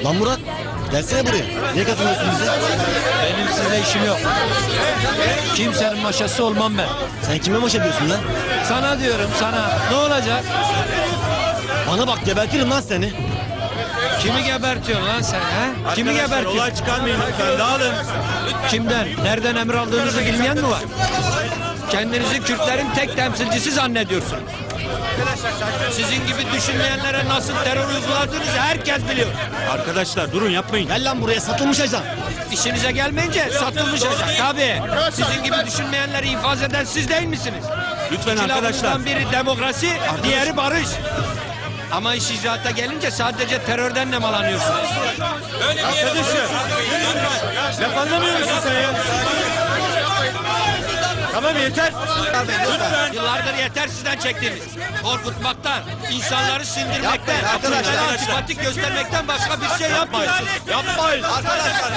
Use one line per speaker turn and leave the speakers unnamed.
Lan Murat, gelsene buraya. Niye katılmıyorsun bize?
Benim size işim yok. Kimsenin maşası olmam ben.
Sen kime maşa diyorsun lan?
Sana diyorum sana. Ne olacak?
Bana bak, gebertirim lan seni.
Kimi gebertiyorsun lan sen ha? Kimi gebertiyorsun?
Olay çıkarmayın lütfen, dağılın.
Kimden? Nereden emir aldığınızı bilmeyen mi var? Kendinizi Kürtlerin tek temsilcisi zannediyorsunuz. Sizin gibi düşünmeyenlere nasıl terör uyguladığınızı herkes biliyor.
Arkadaşlar durun, yapmayın.
Gel lan buraya, satılmış ajan.
İşinize gelmeyince satılmış ajan. Tabii. Sizin gibi düşünmeyenleri infaz eden siz değil misiniz?
Lütfen
İki
arkadaşlar.
lafından biri demokrasi, diğeri barış. Ama iş icraata gelince sadece terörden nemalanıyorsunuz.
Arkadaşım. Laf anlamıyor musun sen ya? Tamam yeter. Lütfen.
Yıllardır yeter sizden çektiğiniz. Korkutmaktan, insanları sindirmekten,
Yapmayın arkadaşlar.
antipatik göstermekten başka bir şey yapmayın.
Yapmayın.
Arkadaşlar